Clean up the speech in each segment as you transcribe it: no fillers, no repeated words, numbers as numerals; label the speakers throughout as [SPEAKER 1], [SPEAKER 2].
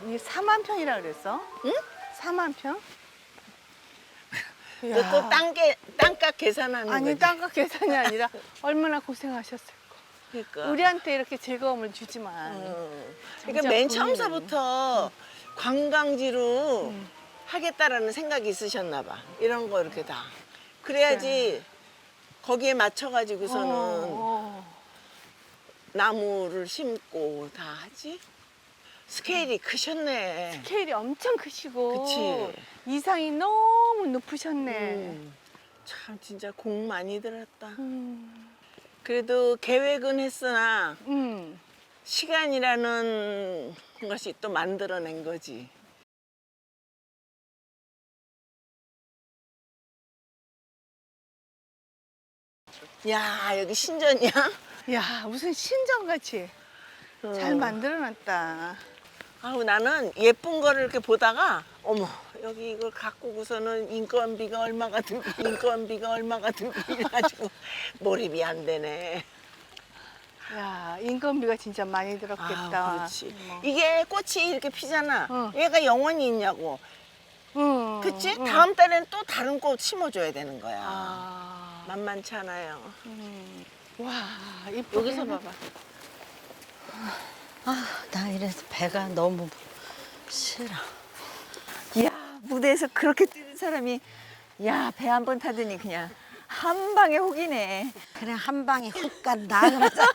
[SPEAKER 1] 이게 4만 평이라 그랬어?
[SPEAKER 2] 응?
[SPEAKER 1] 4만 평?
[SPEAKER 2] 너 또 땅값 계산하는
[SPEAKER 1] 아니
[SPEAKER 2] 거지?
[SPEAKER 1] 땅값 계산이 아니라 얼마나 고생하셨을까.
[SPEAKER 2] 그러니까.
[SPEAKER 1] 우리한테 이렇게 즐거움을 주지만.
[SPEAKER 2] 그러니까 맨 처음서부터 관광지로 하겠다라는 생각이 있으셨나 봐. 이런 거 이렇게 다. 그래야지 거기에 맞춰가지고서는 나무를 심고 다 하지. 스케일이 크셨네.
[SPEAKER 1] 스케일이 엄청 크시고
[SPEAKER 2] 그치.
[SPEAKER 1] 이상이 너무 높으셨네.
[SPEAKER 2] 참 진짜 공 많이 들었다.
[SPEAKER 1] 음.
[SPEAKER 2] 그래도 계획은 했으나
[SPEAKER 1] 음.
[SPEAKER 2] 시간이라는 것이 또 만들어낸 거지. 야, 여기 신전이야?
[SPEAKER 1] 야, 무슨 신전같이 잘 만들어놨다.
[SPEAKER 2] 아우, 나는 예쁜 거를 이렇게 보다가 어머, 여기 이걸 갖고서는 인건비가 얼마가 들고 인건비가 얼마가 들고 이래가지고 몰입이 안 되네.
[SPEAKER 1] 야, 인건비가 진짜 많이 들었겠다.
[SPEAKER 2] 아, 그렇지.
[SPEAKER 1] 뭐.
[SPEAKER 2] 이게 꽃이 이렇게 피잖아.
[SPEAKER 1] 응.
[SPEAKER 2] 얘가 영원히 있냐고.
[SPEAKER 1] 응,
[SPEAKER 2] 그치?
[SPEAKER 1] 응.
[SPEAKER 2] 다음 달에는 또 다른 꽃 심어줘야 되는 거야.
[SPEAKER 1] 아,
[SPEAKER 2] 만만치 않아요.
[SPEAKER 1] 와, 이쁘게
[SPEAKER 2] 여기서
[SPEAKER 1] 해놨-
[SPEAKER 2] 봐봐.
[SPEAKER 3] 아, 나 이래서 배가 너무 싫어.
[SPEAKER 4] 이야, 무대에서 그렇게 뛰는 사람이 야, 배 한 번 타더니 그냥 한 방에 혹이네.
[SPEAKER 3] 그냥 한 방에 훅 간다 그러잖아.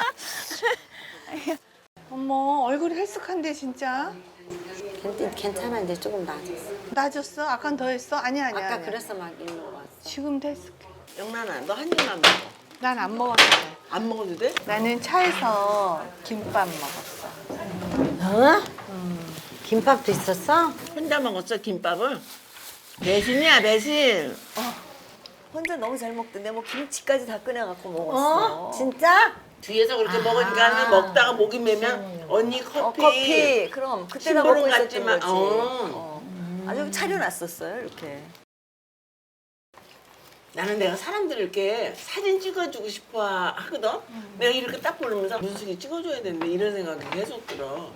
[SPEAKER 1] 어머, 얼굴이 헬쓱한데 진짜.
[SPEAKER 3] 괜찮아, 이제 조금 나아졌어.
[SPEAKER 1] 낮았어? 아까 더 했어? 아니야, 아니야.
[SPEAKER 3] 아까
[SPEAKER 1] 아니야.
[SPEAKER 3] 그래서 막 일로 왔어.
[SPEAKER 1] 지금도 헬쓱해.
[SPEAKER 2] 영란아, 너 한 입만 먹어.
[SPEAKER 1] 난 안 먹었어.
[SPEAKER 2] 안 먹어도 돼?
[SPEAKER 1] 나는 차에서 김밥 먹었어.
[SPEAKER 3] 어? 김밥도 있었어?
[SPEAKER 2] 혼자 먹었어, 김밥을? 매신이야, 매신.
[SPEAKER 4] 혼자 너무 잘 먹던데 뭐 김치까지 다 꺼내갖고 먹었어.
[SPEAKER 3] 진짜?
[SPEAKER 2] 뒤에서 그렇게 먹으니까 먹다가 목이 메면 언니 커피.
[SPEAKER 4] 커피. 그럼 그때나 먹고
[SPEAKER 2] 심부름
[SPEAKER 4] 있었던
[SPEAKER 2] 같지만,
[SPEAKER 4] 거지. 아주 차려놨었어요, 이렇게.
[SPEAKER 2] 나는 내가 사람들 이렇게 사진 찍어주고 싶어 하거든? 내가 이렇게 딱 보면서 문숙이 찍어줘야 되는데 이런 생각이 계속 들어.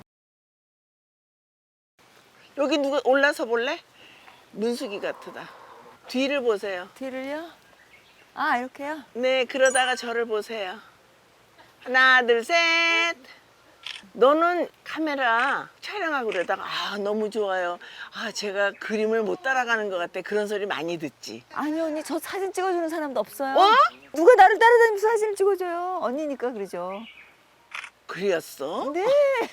[SPEAKER 2] 여기 누가 올라서 볼래? 문숙이 같으다. 뒤를 보세요.
[SPEAKER 4] 뒤를요? 아, 이렇게요?
[SPEAKER 2] 네, 그러다가 저를 보세요. 하나, 둘, 셋. 너는 카메라 촬영하고 그러다가 아, 너무 좋아요. 아, 제가 그림을 못 따라가는 것 같아. 그런 소리 많이 듣지.
[SPEAKER 4] 아니, 언니, 저 사진 찍어주는 사람도 없어요.
[SPEAKER 2] 어?
[SPEAKER 4] 누가 나를 따라다니면서 사진을 찍어줘요? 언니니까 그러죠.
[SPEAKER 2] 그랬어?
[SPEAKER 4] 네.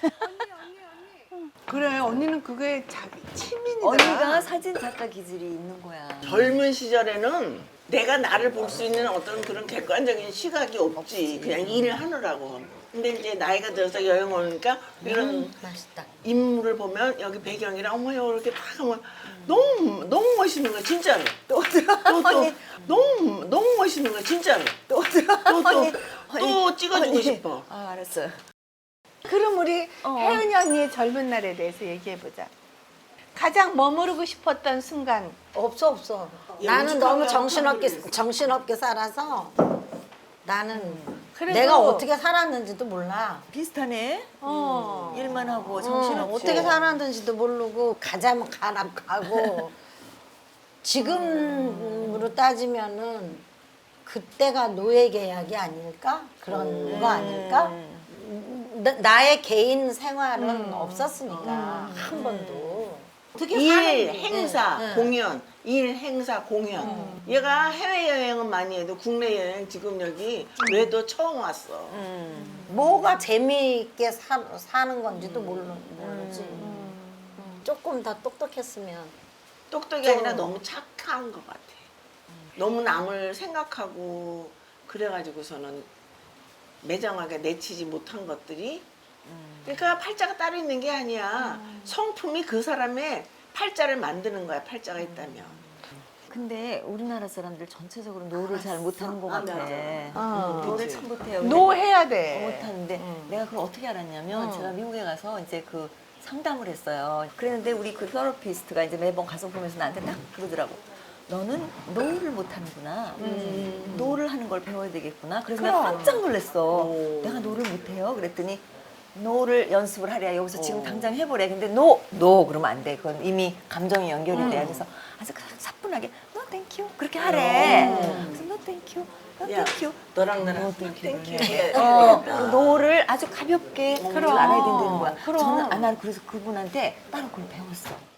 [SPEAKER 1] 그래, 언니는 그게 자기 취미이다.
[SPEAKER 4] 언니가 사진 작가 기질이 있는 거야.
[SPEAKER 2] 젊은 시절에는 내가 나를 볼 수 있는 어떤 그런 객관적인 시각이 없지. 그냥 일을 하느라고. 근데 이제 나이가 들어서 여행 오니까 이런
[SPEAKER 3] 맛있다.
[SPEAKER 2] 인물을 보면 여기 배경이랑 어머 이렇게 딱 하면 너무 멋있는 거야 진짜로. 또 너무 멋있는 거야 진짜로. 또 찍어주고
[SPEAKER 4] 언니.
[SPEAKER 2] 싶어.
[SPEAKER 4] 아, 알았어요.
[SPEAKER 1] 그럼 우리 혜은이 언니의 젊은 날에 대해서 얘기해보자. 가장 머무르고 싶었던 순간.
[SPEAKER 3] 없어. 나는 너무 정신없게 살아서 나는
[SPEAKER 1] 그래도-
[SPEAKER 3] 내가 어떻게 살았는지도 몰라.
[SPEAKER 4] 비슷하네. 일만 하고
[SPEAKER 3] 어,
[SPEAKER 4] 정신없고.
[SPEAKER 3] 어떻게 살았는지도 모르고 가자면 가고 지금으로 따지면은 그때가 노예 계약이 아닐까? 그런 거 아닐까? 나의 개인 생활은 없었으니까 한 번도. 어떻게
[SPEAKER 2] 일,
[SPEAKER 3] 사는지.
[SPEAKER 2] 행사,
[SPEAKER 3] 응.
[SPEAKER 2] 공연, 일, 행사, 공연. 얘가 해외여행은 많이 해도 국내 여행 지금 여기 외도 처음 왔어.
[SPEAKER 3] 뭐가 재미있게 사는 건지도 모르지. 조금 더 똑똑했으면.
[SPEAKER 2] 똑똑이 아니라 너무 착한 것 같아. 너무 남을 생각하고 그래가지고서는 매정하게 내치지 못한 것들이 그러니까 팔자가 따로 있는 게 아니야. 성품이 그 사람의 팔자를 만드는 거야. 팔자가 있다면.
[SPEAKER 4] 근데 우리나라 사람들 전체적으로 노를 잘 못하는 것 같아.
[SPEAKER 2] 맞아.
[SPEAKER 4] 노를
[SPEAKER 2] 그치.
[SPEAKER 4] 참 못해요.
[SPEAKER 1] 노 해야 돼.
[SPEAKER 4] 못하는데 내가 그걸 어떻게 알았냐면 제가 미국에 가서 이제 그 상담을 했어요. 그랬는데 우리 그 테라피스트가 이제 매번 가서 보면서 나한테 딱 그러더라고. 너는 노를 못하는구나. 노를 하는 걸 배워야 되겠구나. 그래서 내가 깜짝 놀랐어. 내가 노를 못해요. 그랬더니 노를 연습을 하랴. 여기서 지금 당장 해보래. 근데 노 그러면 안 돼. 그건 이미 감정이 연결이 돼. 그래서 아주 사뿐하게 no thank you 그렇게 하래. 그래서 no thank you, no
[SPEAKER 2] 야,
[SPEAKER 4] thank you.
[SPEAKER 2] 너랑 나랑
[SPEAKER 4] No, thank you.
[SPEAKER 2] 땡큐.
[SPEAKER 4] 노를 아주 가볍게 그걸 알아야 된다는 거야.
[SPEAKER 1] 그럼.
[SPEAKER 4] 저는 난 그래서 그분한테 따로 그걸 배웠어.